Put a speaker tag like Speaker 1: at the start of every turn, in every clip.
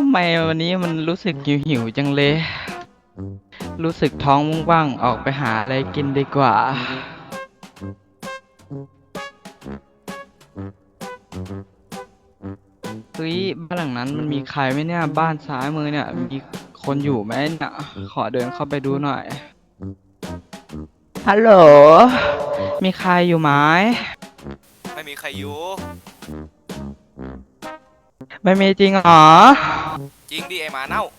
Speaker 1: ำไมวันนี้มันรู้สึกหิวจังเลย รู้สึกท้องว่างๆออกไปหาอะไรกินดีกว่าเฮ้ยบ้านหลังนั้นมันมีใครไหมเนี่ยบ้านซ้ายมือเนี่ยมีคนอยู่ไหมเนี่ยขอเดินเข้าไปดูหน่อยฮัลโหลมีใครอยู่ไหม
Speaker 2: ไม่มีใครอยู่
Speaker 1: ไม่มีจริงเหรอ
Speaker 2: จริงดิไอหมาเน่า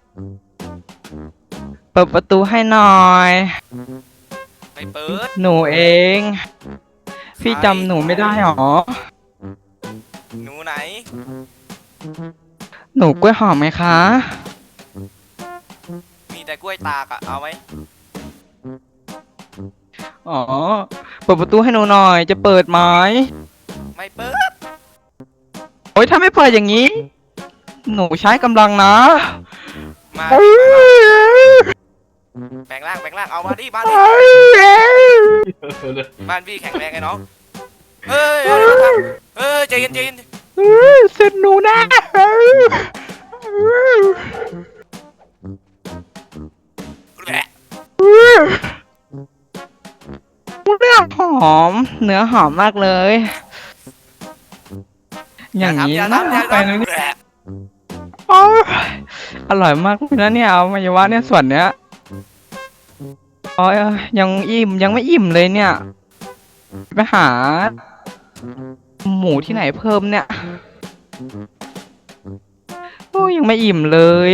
Speaker 1: เปิดประตูให้หน่อย
Speaker 2: ไม่เปิด
Speaker 1: หนูเอง
Speaker 2: ใคร
Speaker 1: พี่จำหนูไม่ได้หรอ
Speaker 2: หนูไหน
Speaker 1: หนูกล้วยหอมไหมคะ
Speaker 2: มีแต่กล้วยตากอะเอาไหม
Speaker 1: อ๋อเปิดประตูให้หนูหน่อยจะเปิดไหม
Speaker 2: ไม่เปิด
Speaker 1: โอ๊ยถ้าไม่เปิดอย่างนี้หนูใช้กำลังนะ
Speaker 2: มาดิแปลงร่างแปลงร่างเอามาดิบ้านดิบ้านพี่แข็งแรงไงน้องเฮ้ยอะไรมาทำเฮ้ยใจเย็นใจเย็น
Speaker 1: เสร็จหนูนะ
Speaker 2: แหละ
Speaker 1: เนื้อหอมเนื้อหอมมากเลย อย่างนี้
Speaker 2: อย่า
Speaker 1: น่า
Speaker 2: ทำอย่า
Speaker 1: ไป
Speaker 2: ทำ
Speaker 1: เลยเนี่ย
Speaker 2: แหละ
Speaker 1: โอ้ยอร่อยมากเลยนะเนี่ยเอามายาวะเนี่ยส่วนเนี้ยโอ้ยยังอิ่มยังไม่อิ่มเลยเนี่ยไปหาหมูที่ไหนเพิ่มเนี่ยโอ้ยยังไม่อิ่มเลย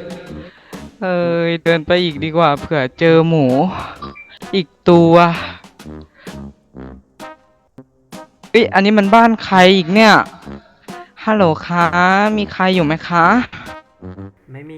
Speaker 1: เดินไปอีกดีกว่าเผื่อเจอหมูอีกตัวเอ้ยอันนี้มันบ้านใครอีกเนี่ยฮัลโหลคะมีใครอยู่ไหมคะ
Speaker 3: ไม่มี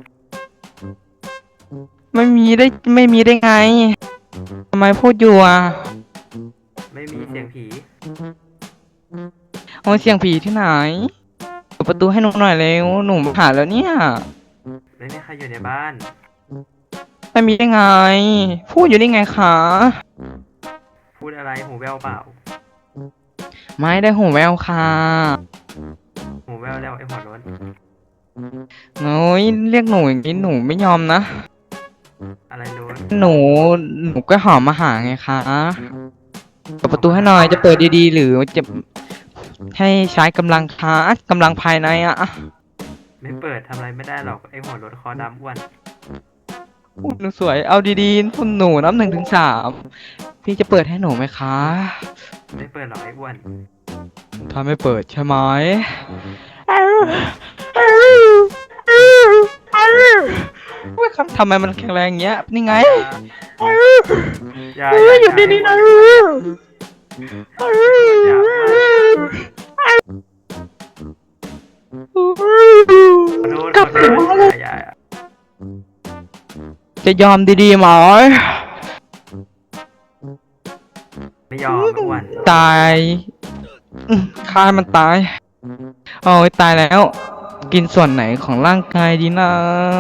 Speaker 1: ไม่มีได้ไงทำไมพูดอยู่อ่ะ
Speaker 3: ไม่มีเสียงผี
Speaker 1: โอ้ยเสียงผีที่ไหนเปิดประตูให้หนูหน่อยเร็วหนูหาแล้วเนี่ย
Speaker 3: ไม่มีใครอยู่ในบ้าน
Speaker 1: ไม่มีได้ไงพูดอยู่ได้ไงคะ
Speaker 3: พูดอะไรหูแววเปล่า
Speaker 1: ไม่ได้หูแววค่ะ
Speaker 3: หูแววแล้วไอ้หัวร้อน
Speaker 1: โอ้ยเรียกหนูอย่างนี้หนูไม่ยอมนะ
Speaker 3: อะไรร้อน
Speaker 1: หนูก็หอมมาหาไงคะเปิดประตูให้หน่อยจะเปิดดีๆหรือจะให้ใช้กำลังคะกำลังภายในอะ
Speaker 3: ไม่เปิดทำอะไรไม่ได้หรอกไอ้หัวร้อนคอดำอ้วน
Speaker 1: หนูสวยเอาดีๆคุณหนูนับ1 ถึง 3พี่จะเปิดให้หนูไหมคะ
Speaker 3: ไม่เปิดหรอกไอ้อ้วน
Speaker 1: ถ้าไม่เปิดใช่ไหมว่าครับทำไมมันแข็งแรงอย่างเงี้ยนี่ไง
Speaker 3: อย่า
Speaker 1: อยู่ดีๆนะ
Speaker 3: อย่าขอโทษ
Speaker 1: กลับ
Speaker 3: ขอโท
Speaker 1: มา
Speaker 3: ษ
Speaker 1: เลย
Speaker 3: อย่า
Speaker 1: จะยอมดีๆไหม
Speaker 3: ไม่ยอมไอ้อ้วน
Speaker 1: ตายฆ่ามันตายโอ้ยตายแล้วกินส่วนไหนของร่างกายดีนะ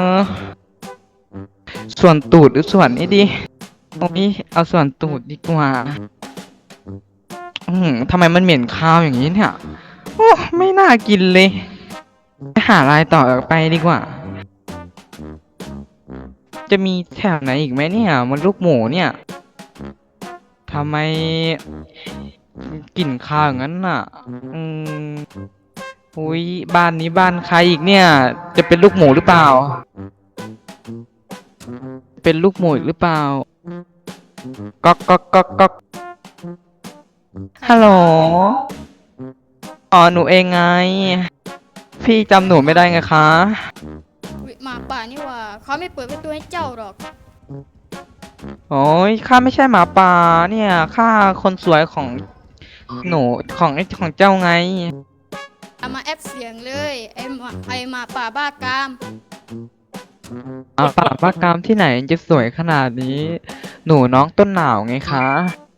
Speaker 1: ส่วนตูดหรือส่วนนี้ดีโอ้ยเอาส่วนตูดดีกว่าทำไมมันเหม็นคาวอย่างนี้เนี่ยโอ้ไม่น่ากินเลยไปหาอะไรต่อไปดีกว่าจะมีแถวไหนอีกไหมเนี่ยมันลูกหมูเนี่ยทำไมกลิ่นคาวอย่างนั้นน่ะอืมอุ้ยบ้านนี้บ้านใครอีกเนี่ยจะเป็นลูกหมูหรือเปล่าเป็นลูกหมูอีกหรือเปล่าก๊อกก๊อกก๊อกก๊อกฮัลโหลอ๋อหนูเองไงพี่จำหนูไม่ได้ไงคะ
Speaker 4: อุ๊ยหมาป่านี่หว่าเขาไม่เปิดประตูให้เจ้าหรอก
Speaker 1: โอ้ยข้าไม่ใช่หมาป่าเนี่ยข้าคนสวยของหนูของเจ้าไง
Speaker 4: เอามาแอปเสียงเลยไอหมาป่าบ้ากาม
Speaker 1: ป่าบ้ากามที่ไหนจะสวยขนาดนี้หนูน้องต้นหนาวไงคะ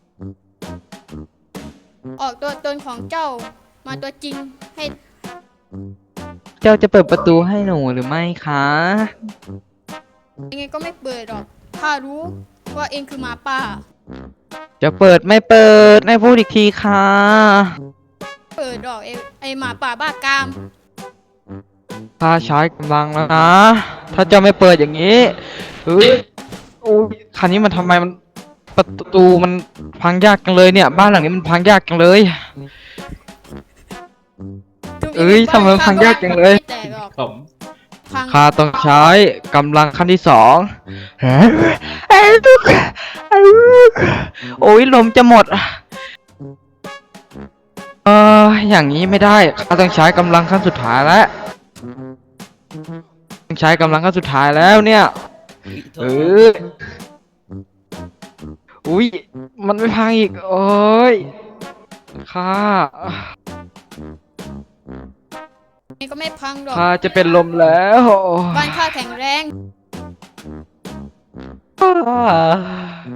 Speaker 4: ออกตัวตนของเจ้ามาตัวจริงให้
Speaker 1: เจ้าจะเปิดประตูให้หนูหรือไม่คะ
Speaker 4: ยังไงก็ไม่เปิดหรอกข้ารู้ว่าเองคือหมาป่า
Speaker 1: จะเปิดไม่เปิดให้พูดอีกทีค่ะ
Speaker 4: เปิดหรอกไอหมาป่าบ้ากาม
Speaker 1: ข้าใช้กำลังแล้วนะ ถ้าเจ้าไม่เปิดอย่างนี้เฮ้ยโอ้ยคันนี้มันทำไมมันประตูมันพังยากจังเลยเนี่ย บ้านหลังนี้มันพังยากจังเลย
Speaker 4: ถึง
Speaker 1: เอ้ย
Speaker 4: งง
Speaker 1: ทำไมพังยากจังเลย
Speaker 4: ไม่แตกหรอกพัง
Speaker 1: ข้าต้องใช้กำลังขั้นที่สองโอ้ยลมจะหมด อย่างนี้ไม่ได้ ข้าต้องใช้กำลังขั้นสุดท้ายแล้วต้องใช้กำลังขั้นสุดท้ายแล้วเนี่ย เอออุ้ย มันไม่พังอีก โอ้ยข้า
Speaker 4: ยังไงก็ไม่พังหรอก
Speaker 1: ข้าจะเป็นลมแล้ว
Speaker 4: บ้านข้าแข็งแรง
Speaker 1: อ่า